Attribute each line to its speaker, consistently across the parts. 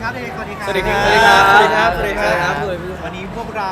Speaker 1: ครับเด็กสวัสดีครับ
Speaker 2: สวัสดีครับ
Speaker 1: สวัสดีครับ
Speaker 2: สวัสดีครับ
Speaker 1: วันนี้พวกเรา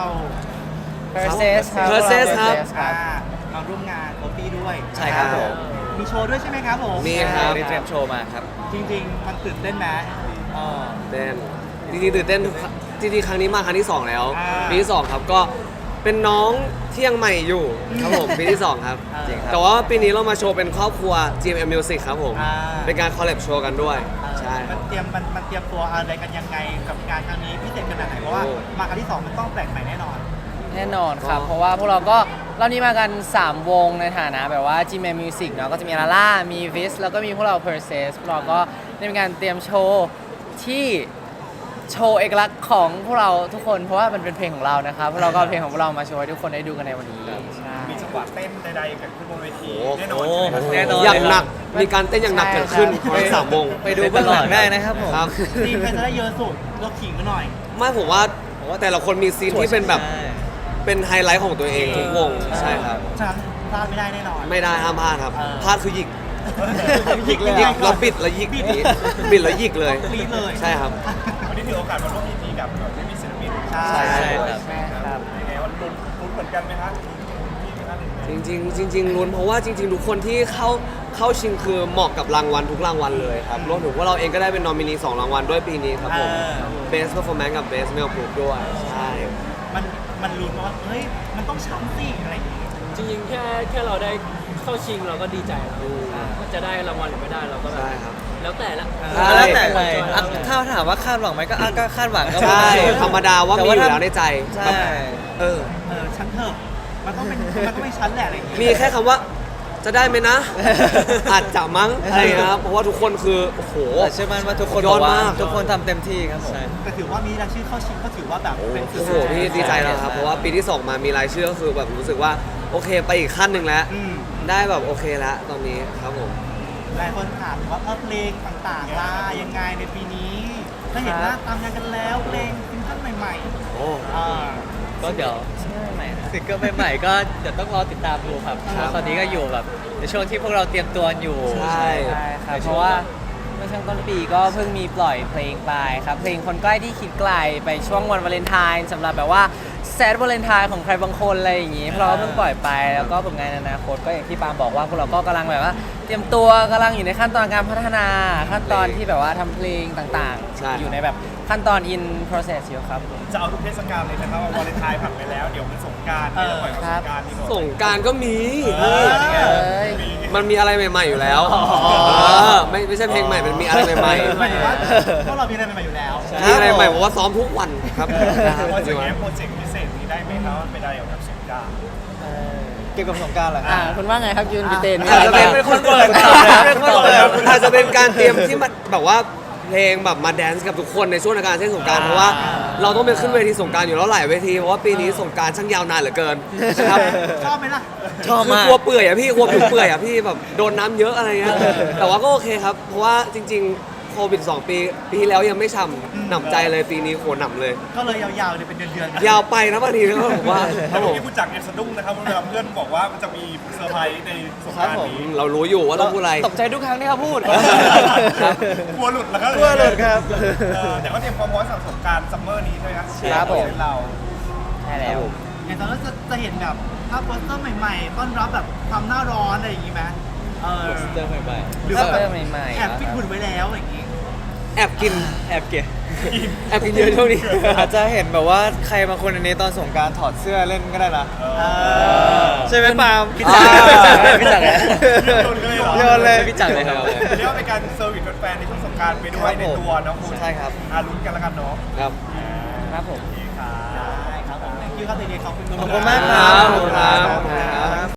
Speaker 3: Perses ครับ
Speaker 2: Perses ครับ
Speaker 1: มาร่วมงานโคตี้ด้วย
Speaker 2: ใช่ครับผม
Speaker 1: มีโชว์ด้วยใช่ไหมครับผม
Speaker 2: มีครับ
Speaker 3: ได้เตรียมโชว์มาครับ
Speaker 1: จริงๆมันตื่นเต้นไหม
Speaker 2: เต้นจริงๆตื่นเต้นทุกครั้งจริงๆครั้งนี้มาครั้งที่ 2 แล้ว
Speaker 1: อ่า
Speaker 2: ปีที่ 2 ครับก็เป็นน้องที่ยังใหม่อยู่ครับผมปีที่ 2 ครับ
Speaker 1: จริงครับ
Speaker 2: แต่ว่าปีนี้เรามาโชว์เป็นครอบครัว GMM Music ครับผม
Speaker 1: อ่า
Speaker 2: เป็นการคอลแลบโชว์กันด้วยใช่
Speaker 1: มันเตรียมตัวอะไรกันยังไงกับงานครั้งนี้พิเศษขนาดไหนเพราะว่า
Speaker 2: โอ้
Speaker 1: มาครั้งที่สองมันต้องแปลกใหม่แน่นอน
Speaker 3: แน่นอนครับ เพราะว่าพวกเราก็รอบนี้มากัน 3 วงในฐานะแบบว่า Gmail Music เนาะก็จะมีลาล่ามี Vis แล้วก็มีพวกเรา Perses พวกเราก็ได้มีการเตรียมโชว์ที่โชว์เอกลักษณ์ของพวกเราทุกคนเพราะว่ามันเป็นเพลงของเรานะครับพวกเราก็เอาเพลงของพวกเรามาโชว์ให้ทุกคนได้ดูกันในวันนี้ใช่
Speaker 4: มีจังหวะเต้นใดๆเกิดขึ้นบนเวที
Speaker 2: โอ้
Speaker 4: แน่นอนใช่ไหมครับ
Speaker 3: แน่นอน
Speaker 2: อย่างหนักมีการเต้นอย่างหนักเกิดขึ้น
Speaker 3: ใช่
Speaker 2: ทั้ง
Speaker 3: ครับ
Speaker 2: 3 วง
Speaker 3: ไปดูเบื้องหลังได้นะครับผม
Speaker 2: ครับ
Speaker 1: ทีมใครจะได้เยอะสุดเราขิงกันหน่อย
Speaker 2: ไม่ผมว่าแต่ละคนมีซีนที่เป็นแบบเป็นไฮไลท์ของตัวเองทุกวงใช่ครับ
Speaker 1: ฉะนั้นพลาดไม่ได้แน่นอน
Speaker 2: ไม่ได้ห้ามพลาดครับ
Speaker 1: เออ
Speaker 2: พลาดคือหยิก
Speaker 1: หยิกเลย
Speaker 2: หยิกแล้วบิดแล้วหยิกบิดแล้วหยิกเลย
Speaker 1: กรี๊ดเลย
Speaker 2: ใช่ครับ
Speaker 4: วันนี้ถือโอกาสมาร่วมพิธีกับไม่มีศิลปิน
Speaker 1: ใช่
Speaker 2: ใช่
Speaker 3: ใช่ครับ
Speaker 4: ยังไงว่าลุ้นเหมือนกันไหมครับมีท่านหนึ่งไหม
Speaker 2: จริงๆลุ้นเพราะว่าจริงๆทุกคนที่เข้าชิงคือเหมาะกับรางวัลทุกรางวัลเลยครับรวมถึงว่าเราเองก็ได้เป็นนอมินี2รางวัลด้วยปีนี้ครับผม Best Performance กับ Best Male Group ด้วยใช่
Speaker 1: มันลุ้นว่าเฮ้ยมันต้องช้ำสิอะไรอย่างงี้
Speaker 5: จริงๆ แค่เราได้เข้าชิงเราก็ดีใจแล้วว่าจะได้รางวัลหรือไม่ได้เราก็แบบ
Speaker 2: ใช่ครับ
Speaker 5: แล้วแต่ละ
Speaker 3: แล้วแต่
Speaker 5: เลย
Speaker 3: ถ้าถามว่าคาดหวังไหมก็คาดหวังก็
Speaker 2: ใช่ธรรมดาว่ามีอยู่แล้วในใจ
Speaker 3: ใช่
Speaker 2: เออ
Speaker 1: ชั้นเถอะมันต้องเป็นชั้นแหละอะไรอย่างงี้
Speaker 2: มีแค่คำว่าจะได้ไหมนะ อาจจะมั้งอะไรนะครับเพราะว่าทุกคนคือโอ้โห
Speaker 3: เชื่อมั่นว่าทุกคน
Speaker 2: ยอดมาก
Speaker 3: ทุกคนทำเต็มที่ครับผม
Speaker 1: แต่ถือว่ามีรายชื่อเข้าชิงก็ถือว่าแบบเป็น
Speaker 2: โอ้โหพี่ดีใจแล้วครับเพราะว่าปีที่ 2 มามีรายชื่อก็คือแบบรู้สึกว่าโอเคไปอีกขั้นหนึ่งแล้ว
Speaker 1: อืม
Speaker 2: ได้แบบโอเคแล้วตอนนี้ครับผม
Speaker 1: หลายคนถามว่าเพลงต่างๆล่ะยังไงในปีนี้ถ้าเห็นว่าตามงานกันแล้วเพลงซิงเกิลใหม่
Speaker 2: โอ้
Speaker 1: ๆอ่า
Speaker 3: ก็เดี๋ยวซิงเกิลใหม่ๆก็เดี๋ยวต้องรอติดตามดูครับ
Speaker 2: ครับ
Speaker 3: ตอนนี้ก็อยู่แบบในช่วงที่พวกเราเตรียมตัวอยู่
Speaker 2: ใช่
Speaker 3: ครับเพราะว่าเมื่อช่วงต้นปีก็เพิ่งมีปล่อยเพลงไปครับเพลงคนใกล้ที่คิดไกลไปช่วงวันวาเลนไทน์สำหรับแบบว่าแซดวาเลนไทน์ของใครบางคนอะไรอย่างงี้พวกเราก็เพิ่งปล่อยไปแล้วก็ผลงานในอนาคตก็อย่างที่ปาล์มบอกว่าพวกเราก็กำลังแบบว่าเตรียมตัวกำลังอยู่ในขั้นตอนการพัฒนาขั้นตอนที่แบบว่าทำเพลงต่าง
Speaker 2: ใช่
Speaker 3: ๆ อยู่ในแบบขั้นตอน in process อยู่ครับ
Speaker 4: จะเอาทุกเทศกาลเลยนะครับว่าวาเลนไทน์ผ่านไปแล้วเดี๋ยวมันสงกรารจะปล่อยกับสงกรารนี่ก่อน
Speaker 2: สงกรารก็มี
Speaker 1: นี่ไง
Speaker 2: มันมีอะไรใหม่ๆอยู่แล้วไม่ใช่เพลงใหม่มันมีอะไรใหม่
Speaker 1: หมายถึงว่าพวกเรามีอะไรใหม่ๆอยู่แล้ว
Speaker 2: ๆมีอะไรใหม่เพราะว่าซ้อมทุกวันครับ
Speaker 4: ว่าจะแง้มโปรเจกต์พิเศษนี้ได้ไหมครับไม่ได้เกี่ยวกับสงกราร
Speaker 3: เกี่ยวกับสงการเหรอคุณว่าไงครับยืนพี่เต้น
Speaker 2: อาจจะเป็นคนเปิด
Speaker 3: เป็นคนเปิด
Speaker 2: อาจจะเป็นการเตรียมที่มันแบบว่าเพลงแบบมาแดนซ์กับทุกคนในช่วงการเทศสงกรารเพราะว่าเราต้องไปขึ้นเวทีสงกรารอยู่แล้วหลายเวทีเพราะว่าปีนี้สงกรารช่างยาวนานเหลือเกินนะครับ
Speaker 1: ชอบไหมล่ะ
Speaker 3: ชอบ
Speaker 2: คือ
Speaker 3: มาก
Speaker 2: กลัวเปื่อยอะพี่กลัวผิวเปื่อยอะพี่แบบโดนน้ำเยอะอะไรเงี้ยแต่ว่าก็โอเคครับ เพราะว่าจริงๆโควิด2 ปีที่แล้วยังไม่ฉ่ำหนำใจเลยปีนี้โหหนำเลย
Speaker 1: ก็เลยยาวๆเลยเป็นเดือนๆ
Speaker 2: ยาวไปนะบางทีก็ผมว่าค
Speaker 4: แต่
Speaker 2: รับผ
Speaker 4: เมื่อ
Speaker 2: ม
Speaker 4: กี้ผู้จัดเนี่ยสะดุ้งนะครับเวลาเพื่อนบอกว่ามันจะมีเซอร์ไพรส์ในสงกรารนี้
Speaker 2: เรารู้อยู่ว่าต้องพูดอะไร
Speaker 3: ตกใจทุกครั้งที่เขาพูด
Speaker 2: ครับ
Speaker 4: กลัวหลุดแล้วครับ
Speaker 3: กลัวหลุดครับ
Speaker 4: แต่ก็เตรียมความพร้อมสำหรับสงกรารซัมเมอร์นี้ด้วยนะครับ
Speaker 3: ผม
Speaker 4: เป็นเรา
Speaker 3: ใช่แล้ว
Speaker 1: อย่างตอนนั้นจะเห็นแบบภาพโปสเตอร์ใหม่ๆ ต้อนรับแบบความหน้าร้อนอะไรอย่างงี้ไหมหรือว่าแบบ
Speaker 3: โปสเตอร์ใหม่ๆ
Speaker 1: แอบฟิตหุ่นไว้แล้วอะไรอย่างงี้
Speaker 2: แอบกิน
Speaker 3: แอบเก็บ
Speaker 2: แอบกินเยอะช่วงนี้
Speaker 3: อาจจะเห็นแบบว่าใครบางคนในนี้ตอนสงกรารถอดเสื้อเล่นก็ได้นะใช่ไหมปาล์มพี่จักรพี่จักร โยนเลยพี่จักรเลยครับ
Speaker 4: เรียกว่าเป็นการเซอร์วิสแฟนๆในช่วงสงกรารไปด้วยในตัวเนาะคุณ
Speaker 3: ใช่ครับ
Speaker 4: ลุ้นกันแล้วกันเนาะ
Speaker 2: ครับ
Speaker 3: ครับผม
Speaker 1: ได้ครับผมคิวครับเด็กๆขอบคุณ
Speaker 3: ขอบคุณมากครับ
Speaker 2: ขอบคุณครับ